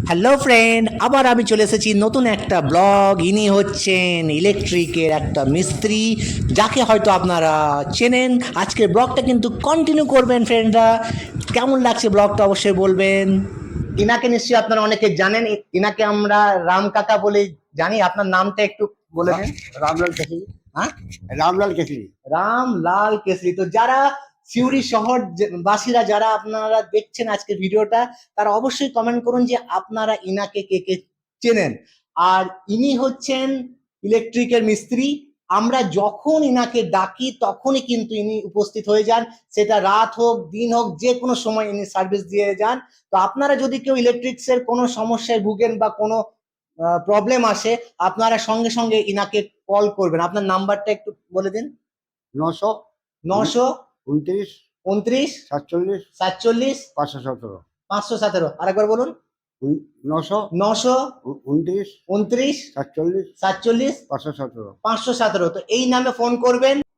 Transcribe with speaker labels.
Speaker 1: Hello friend, আবার আমি চলে এসেছি নতুন একটা ব্লগ। ইনি হচ্ছেন ইলেকট্রিকের একটা মিস্ত্রি, যাকে হয়তো আপনারা চেনেন। আজকের ব্লগটা কিন্তু কন্টিনিউ করবেন ফ্রেন্ডরা। কেমন লাগছে ব্লগটা অবশ্যই বলবেন। ইনাকে নিশ্চয়ই আপনারা অনেকে জানেন, ইনাকে আমরা রাম কাকা বলে জানি। আপনার নামটা একটু বলে দেন।
Speaker 2: রামলাল কেশরি।
Speaker 1: হ্যাঁ,
Speaker 2: রামলাল কেশরি।
Speaker 1: রামলাল কেশরি। তো যারা সিউড়ি শহর বাসীরা যারা আপনারা দেখছেন আজকে ভিডিওটা, তারা অবশ্যই কমেন্ট করুন যে আপনারা ইনাকে কে কে চেনেন। আর ইনি হচ্ছেন ইলেকট্রিকের মিস্ত্রি। আমরা যখন ইনাকে ডাকি তখনই কিন্তু ইনি উপস্থিত হয়ে যান, সেটা রাত হোক দিন হোক, যে কোনো সময় ইনি সার্ভিস দিয়ে যান। তো আপনারা যদি কেউ ইলেকট্রিক্সের কোনো সমস্যায় ভুগেন বা কোনো প্রবলেম আসে, আপনারা সঙ্গে সঙ্গে ইনাকে কল করবেন। আপনার নাম্বারটা একটু বলে দিন।
Speaker 2: 900
Speaker 1: 900
Speaker 2: 29
Speaker 1: 29
Speaker 2: 47
Speaker 1: 47
Speaker 2: 517।
Speaker 1: 517। আরেকবার বলুন।
Speaker 2: 900
Speaker 1: 900
Speaker 2: 29
Speaker 1: 29
Speaker 2: 47
Speaker 1: 47
Speaker 2: 517।
Speaker 1: 517। তো এই নামে ফোন করবেন।